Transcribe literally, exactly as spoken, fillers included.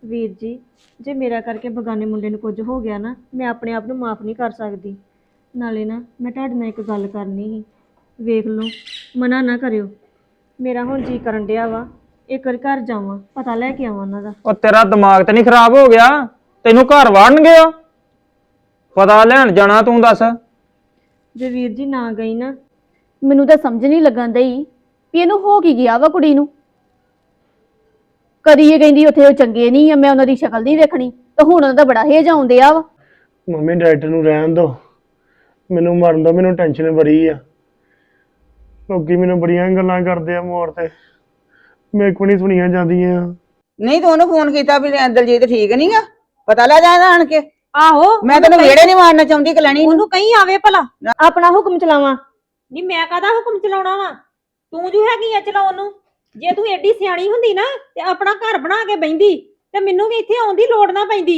ਵੀਰ ਜੀ, ਜੇ ਮੇਰਾ ਕਰਕੇ ਬਗਾਨੇ ਮੁੰਡੇ ਨੂੰ ਕੁਝ ਹੋ ਗਿਆ ਨਾ, ਮੈਂ ਆਪਣੇ ਆਪ ਨੂੰ ਮਾਫ ਨਹੀਂ ਕਰ ਸਕਦੀ। ਨਾਲੇ ਨਾ ਮੈਂ ਤੁਹਾਡੇ ਨਾਲ ਇੱਕ ਗੱਲ ਕਰਨੀ ਸੀ। ਵੇਖ ਲਓ, ਮਨਾ ਨਾ ਕਰਿਓ। ਮੇਰਾ ਹੁਣ ਜੀ ਕਰਨ ਡਿਆ ਵਾ ਇੱਕ ਵਾਰ ਘਰ ਜਾਵਾਂ, ਪਤਾ ਲੈ ਕੇ ਆਵਾਂ ਉਹਨਾਂ ਦਾ। ਉਹ ਤੇਰਾ ਦਿਮਾਗ ਤੇ ਨਹੀਂ ਖਰਾਬ ਹੋ ਗਿਆ? ਤੈਨੂੰ ਘਰ ਵਾੜਨਗੇ ਆ, ਪਤਾ ਲੈਣ ਜਾਣਾ ਤੂੰ ਦੱਸ। ਜੇ ਵੀਰ ਜੀ ਨਾ ਗਈ ਨਾ, ਮੈਨੂੰ ਤਾਂ ਸਮਝ ਨਹੀਂ ਲੱਗਣ ਦਈ ਵੀ ਇਹਨੂੰ ਹੋ ਕੀ ਗਿਆ ਵਾ ਕੁੜੀ ਨੂੰ। ਕਦੀ ਇਹ ਕਹਿੰਦੀ ਉੱਥੇ ਉਹ ਚੰਗੇ ਨਹੀਂ ਆ, ਮੈਂ ਉਹਨਾਂ ਦੀ ਸ਼ਕਲ ਨਹੀਂ ਵੇਖਣੀ, ਤੇ ਹੁਣ ਉਹਨਾਂ ਦਾ ਬੜਾ ਹੇਜ ਆਉਂਦੇ ਆ ਵਾ। ਮੰਮੀ ਡਾਕਟਰ ਨੂੰ ਰਹਿਣ ਦੋ, ਮੈਨੂੰ ਮਰਨ ਦੋ, ਮੈਨੂੰ ਟੈਨਸ਼ਨ ਬੜੀ ਆ। ਲੋਕੀ ਮੈਨੂੰ ਬੜੀਆਂ ਗੱਲਾਂ ਕਰਦੇ ਆ ਮੋੜ ਤੇ, ਮੇਰੇ ਕੋਲ ਨਹੀਂ ਸੁਣੀਆਂ ਜਾਂਦੀਆਂ। ਨਹੀਂ ਤੂੰ ਉਹਨੂੰ ਫੋਨ ਕੀਤਾ ਵੀ ਦਲਜੀਤ ਠੀਕ ਨਹੀਂ ਆ, ਪਤਾ ਲੈ ਜਾਣਾ ਆਣ ਕੇ। ਆਹੋ ਮੈਂ ਤੈਨੂੰ ਵਿਹੜੇ ਨਹੀਂ ਮਾਰਨਾ ਚਾਹੁੰਦੀ ਕਲੈਣੀ ਨੂੰ। ਉਹਨੂੰ ਕਹੀਂ ਆਵੇ ਭਲਾ। ਆਪਣਾ ਹੁਕਮ ਚਲਾਵਾਂ। ਨਹੀਂ ਮੈਂ ਕਾਹਦਾ ਹੁਕਮ ਚਲਾਉਣਾ ਵਾ, ਤੂੰ ਜੋ ਹੈਗੀ ਆ ਚਲਾਉਣ ਨੂੰ। ਜੇ ਤੂੰ ਏਡੀ ਸਿਆਣੀ ਹੁੰਦੀ ਨਾ ਤੇ ਆਪਣਾ ਘਰ ਬਣਾ ਕੇ ਬੈਂਦੀ ਤੇ ਮੈਨੂੰ ਵੀ ਇੱਥੇ ਆਉਣ ਦੀ ਲੋੜ ਨਾ ਪੈਂਦੀ।